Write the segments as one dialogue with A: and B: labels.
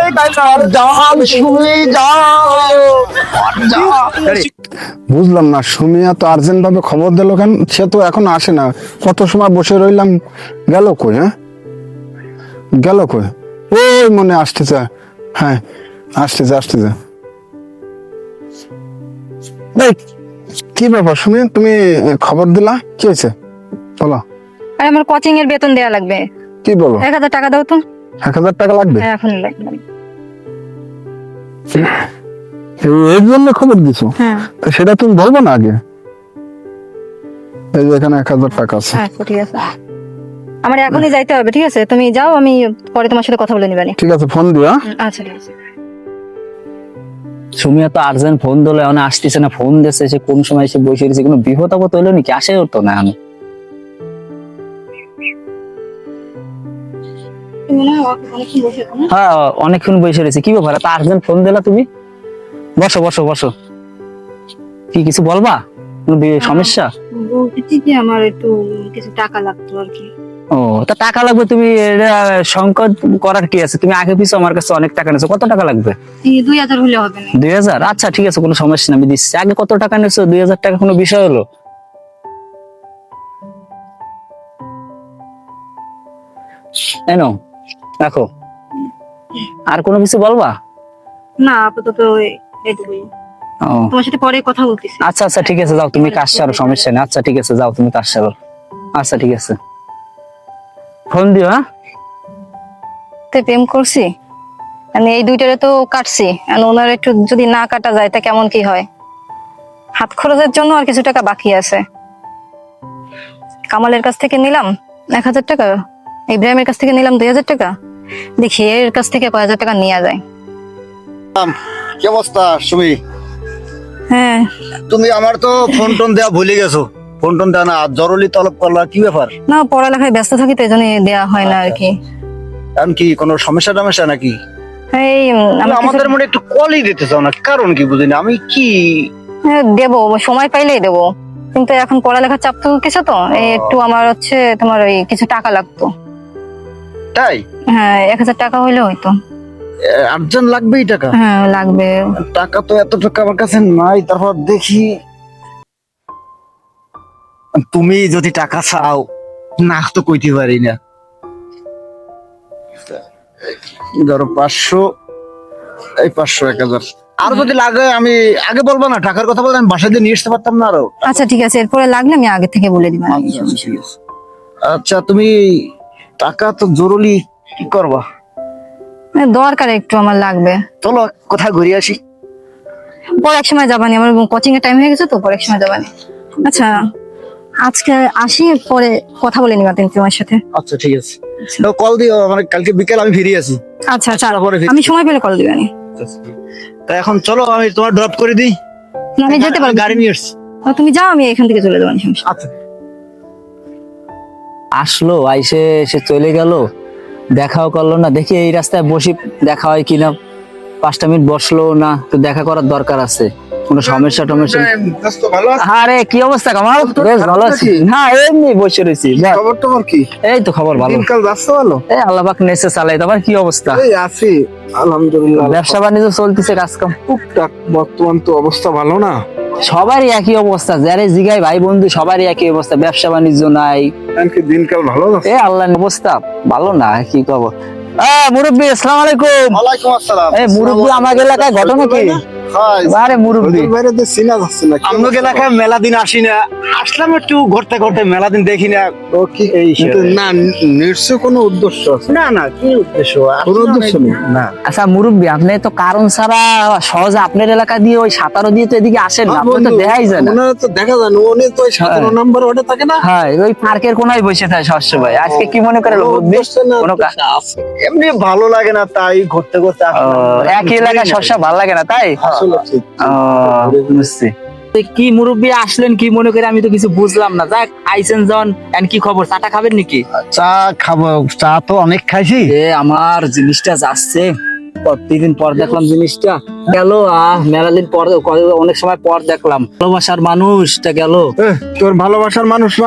A: বুঝলাম না, সুমিয়া তো আর্জেন্ট ভাবে খবর দিল কেন? সে তো এখন আসে না, কত সময় বসে রইলাম, গেল কই? হ্যাঁ গেল কই? ওই মনে আসতেছে, হ্যাঁ আসতেছে। কি ব্যাপার সুমি, তুমি খবর দিলা, কি হয়েছে বলো?
B: আরে আমার কোচিং এর বেতন দেয়া লাগবে।
A: কি বলো?
B: 1000 টাকা দাও তো।
A: 1000 টাকা লাগবে?
B: হ্যাঁ এখন লাগবে।
A: এর জন্য খবর দিছো?
B: হ্যাঁ।
A: সেটা তুমি বলবো না আগে? এই যে এখানে 1000 টাকা আছে।
B: আচ্ছা ঠিক আছে, আমার এখনই যাইতে হবে। ঠিক আছে তুমি যাও, আমি পরে তোমার সাথে কথা বলে নিবানি।
A: ঠিক আছে, ফোন দিও।
B: আচ্ছা ঠিক আছে।
C: সুমিয়া তো আর্জেন্ট ফোন দিলে এখন আসতেছে না, ফোন দিচ্ছে সে কোন সময় এসে বসে রয়েছে, কোনো বিপদ আপদ হইলো নাকি? আসে তো না আমি। হ্যাঁ অনেকক্ষণ বসে রয়েছে, কি ব্যাপার এত আর্জেন্ট ফোন দিলা তুমি? বসো বসো বসো। কি কিছু বলবা? কোনো সমস্যা?
B: বলতেছি যে আমার একটু কিছু টাকা লাগতো আর কি।
C: ও তা টাকা লাগবে, তুমি এটা সংকট করার কি আছে? তুমি আগে পিছু আমার কাছে অনেক টাকা নিয়েছো, কত টাকা লাগবে?
B: 2000 হলে হবে না?
C: 2000? আচ্ছা ঠিক আছে, কোনো সমস্যা না, আমি দিচ্ছি। আগে কত টাকা নিয়েছো? 2000 টাকা কোনো বিষয় হলো? এনো রাখো। আর কোনো কিছু বলবা?
B: না আপাতত এইটুকুই।
C: ও
B: তোমার সাথে পরে কথা বলতেছি।
C: আচ্ছা আচ্ছা ঠিক আছে, যাও তুমি কাজ সারো, সমস্যা নেই। আচ্ছা ঠিক আছে, যাও তুমি কাজ সারো। আচ্ছা ঠিক আছে, ফোন দিও। হ্যাঁ
B: তে প্রেম করছি আমি, এই দুইটারে তো কাটছি, আর ওনার একটু যদি না কাটা যায় তা কেমন কি হয়? হাত খরচের জন্য আর কিছু টাকা বাকি আছে। কামালের কাছ থেকে নিলাম 1000 টাকা, ইব্রাহিমের কাছ থেকে নিলাম 2000 টাকা, দেখি এর কাছ থেকে কয় হাজার টাকা নেওয়া যায়।
D: কি অবস্থা সুমি?
B: হ্যাঁ
D: তুমি আমার তো ফোন টোন দেওয়া ভুলে গেছো। ফোন টোন দেওয়া না, জরুরি তলব করলা, কি ব্যাপার?
B: না পড়ালেখায় ব্যস্ত থাকি তো এই জন্য দেওয়া হয় না আর কি।
D: এখন কি কোনো সমস্যা টমস্যা নাকি?
B: এই
D: তুমি আমাদের মনে একটু কলই দিতে চাও না, কারণ কি বুঝিনি আমি। কি
B: দেবো, সময় পাইলেই দেবো, কিন্তু এখন পড়ালেখার চাপ তো কিছু, তো এই একটু আমার হচ্ছে তোমার ওই কিছু টাকা লাগতো।
D: তাই?
B: হ্যাঁ 1000 টাকা হইলে হয়তো।
D: আর্জেন্ট লাগবেই টাকা?
B: হ্যাঁ লাগবে।
D: টাকা তো এত টাকা আমার কাছে নাই। তারপর দেখি, তুমি যদি টাকা চাও না তো কইতে পারি না। ধরো 500, এই 500 1000 আর যদি লাগে আমি আগে বলবো না, টাকার কথা বলতে আমি বাসা দিয়ে নিয়ে আসতে পারতাম না আরো।
B: আচ্ছা ঠিক আছে, এরপরে লাগলে আমি আগে থেকে বলে দিব।
D: আচ্ছা তুমি টাকা তো জরুরি, কি করবা?
B: দরকার একটু আমার লাগবে।
D: চলো কোথায় ঘুরে আসি।
B: পরে এক সময় যাবানি, আমার কোচিং এর টাইম হয়ে গেছে তো, পরে এক সময় যাবানি। আচ্ছা আজকে আসি, পরে কথা বলে নিবা তুমি তোমার সাথে।
D: আচ্ছা ঠিক আছে, কল দিও, মানে কালকে বিকেল আমি ফিরে আসি।
B: আচ্ছা আচ্ছা,
D: পরে
B: আমি সময় পেলে কল দিবানি।
D: তা এখন চলো আমি তোমার ড্রপ করে দিই।
B: আমি যেতে পারবো,
D: গাড়ি নিয়ে আসছি।
B: তুমি যাও, আমি এখান থেকে চলে যাবো।
D: আচ্ছা।
C: আসলো, আইসে সে চলে গেল, দেখাও করলো না। দেখি এই রাস্তায় বসি, দেখা হয় কিনা। 5টা মিনিট বসলো না, তো দেখা করার দরকার আছে। কোনো সমস্যা টমস্যা? আরে কি অবস্থা কামাল? বেশ ভালো আছি। না এমনি বসে রয়েছি।
A: খবর টবর কি?
C: এই তো খবর ভালো।
A: দিনকাল যাচ্ছে ভালো?
C: এই আল্লাহ পাক নেচে চালাই। তোমার কি অবস্থা?
A: এই আছি আলহামদুলিল্লাহ।
C: ব্যবসা বাণিজ্য চলতেছে, কাজ কাম
A: টুকটাক। বর্তমান তো অবস্থা ভালো না।
C: সবারই একই অবস্থা, যারে জিগাই ভাই বন্ধু সবারই একই অবস্থা, ব্যবসা বাণিজ্য নাই।
A: এমনকি দিনকাল ভালো যাচ্ছে?
C: এই আল্লাহর অবস্থা ভালো না, কি খবর? মুরব্বী আসসালামু আলাইকুম।
D: ওয়ালাইকুম আসসালাম।
C: এই মুরব্বী, আমার এলাকায় ঘটনা কি? আরে মুরব্বী,
A: বাইরে দিয়ে চিনা যাচ্ছে না।
D: আমগো এলাকায় মেলা দিন আসি না, আসলাম একটু ঘুরতে ঘুরতে, মেলা দিন দেখি না।
A: ও কি
D: এই
A: কিন্তু না, নিশ্চয় কোনো উদ্দেশ্য আছে?
D: না না, কি উদ্দেশ্য?
A: কোনো উদ্দেশ্য নেই
D: না।
C: আচ্ছা মুরব্বী, আপনি তো কারণ ছাড়া সহজে আপনার এলাকা দিয়ে ওই 17 দিয়ে তো এদিকে আসেন না, আপনি তো দেখাই যায় না।
A: ওনারা তো দেখা যায় না, উনি তো 17 নম্বর ওটা থাকে না।
C: হ্যাঁ ওই পার্কের কোনায় বসে থাকে সবসময়। আজকে কি মনে করে মুরব্বী? কোনো
D: এমনি ভালো লাগে না, তাই ঘুরতে ঘুরতে আসলাম।
C: একই এলাকায় সবসময় ভালো লাগে না তাই?
A: আসলে ঠিক।
C: বুঝছি। কি মুরব্বী আসলেন কি মনে করে, আমি তো কিছু বুঝলাম না। যাক আইসেন জন, কি খবর? চাটা খাবেন নাকি?
D: চা খাবো, চা তো অনেক খাইছি।
C: আমার জিনিসটা যাচ্ছে, প্রতিদিন পর দেখলাম জিনিসটা গেল। মেলা দিন পর, অনেক সময় পর দেখলাম। ভালোবাসার মানুষটা গেল।
A: তোর ভালোবাসার মানুষ মানে?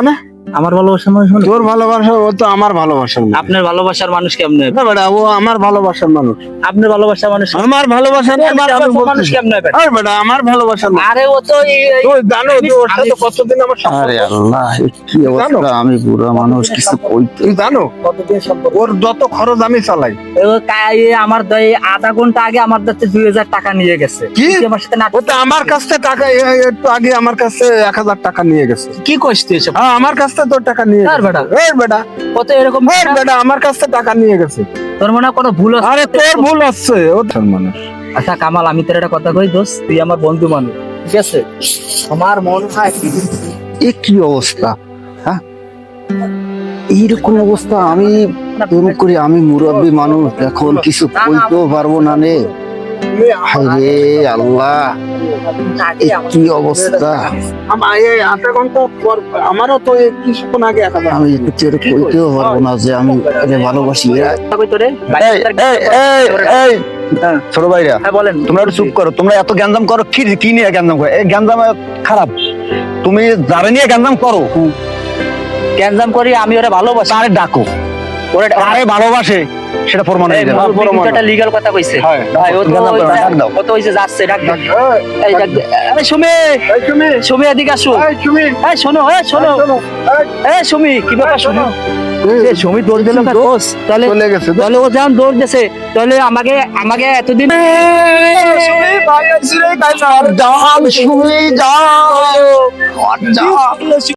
C: আমার ভালোবাসার মানুষ মানে
A: তোর ভালোবাসা ও তো আমার ভালোবাসার মানুষ।
C: আপনার ভালোবাসার মানুষ কেমনে?
A: না বেটা, ও আমার ভালোবাসার মানুষ।
C: আপনার ভালোবাসার মানুষ
A: আমার ভালোবাসার
C: মানুষ কেমনে বেটা?
A: বেটা আমার ভালোবাসার মানুষ।
C: আরে ও তো
A: তুই জানো যে ওর সাথে কতদিন আমার সম্পর্ক?
D: আরে আল্লাহ, কি অবস্থা, আমি বুড়া মানুষ, কিছু কইতে।
A: তুই জানো ওর যত খরচ আমি চালাই।
C: আমার আধা ঘন্টা আগে আমার কাছে 2000 টাকা নিয়ে গেছে।
A: কি?
C: তুই আমার সাথে নাটক
A: ও তো আমার কাছ থেকে টাকা একটু আগে আমার কাছে 1000 টাকা নিয়ে গেছে।
C: কি কইছিস তুই এসব?
A: হ্যাঁ আমার কাছ থেকে তোর টাকা নিয়ে
C: আর
A: গেছে।
C: বেটা?
A: এই বেটা,
C: ও তো এরকম
A: এই বেটা আমার কাছ থেকে টাকা নিয়ে গেছে।
C: তোর মনে হয় কোনো ভুল হচ্ছে?
A: আরে তোর ভুল হচ্ছে, ও তোর মানুষ।
C: আচ্ছা কামাল, আমি তোর একটা কথা কই দোস্ত, তুই আমার বন্ধু মানুষ, ঠিক আছে? আমার মন হয়
D: এ কি অবস্থা, হ্যাঁ? এইরকম অবস্থা, আমি এরকম করি, আমি মুরব্বী মানুষ, এখন কিছু কইতেও পারবো না রে। হায়রে আল্লাহ, এ কি অবস্থা,
A: এই আধা ঘন্টা পর আমারও তো এই কিছুক্ষণ আগে 1000।
D: আমি কিছু কইতেও পারবো না যে আমি একে ভালোবাসি।
C: কই তোরে?
D: এই ছোট ভাইরা,
C: হ্যাঁ বলেন।
D: তোমরা একটু চুপ করো, তোমরা এত গ্যাঞ্জাম করো কি, কি নিয়ে গ্যাঞ্জাম করো? এই গ্যাঞ্জাম খারাপ, তুমি যারা নিয়ে গ্যাঞ্জাম করো
C: গ্যাঞ্জাম করি, আমি ওরা ভালোবাসি।
D: তারে ডাকো, ওরা তারে ভালোবাসে সেটা প্রমাণ হয়ে যাবে।
C: একটা লিগ্যাল কথা কইছে।
A: হ্যাঁ,
C: ভাই ও তো
D: গ্যাঞ্জাম করো, ডাক দাও।
C: ও তো হইছে যাচ্ছে, ডাক দাও। এই ডাক দে। আরে সুমি,
A: এই তুমি,
C: সুমি এদিকে আসো।
A: এই তুমি,
C: এই শোনো, এই শোনো। এই সুমি, কি ব্যাপার শোনো? এই সুমি দৌড় দিল না দোস, তাহলে
A: চলে গেছে।
C: তাহলে ও যখন দৌড় দিছে, তাহলে আমাকে এতদিন
A: সুমি ভাই আসছে রে, কাজ আর যাও সুমি যাও।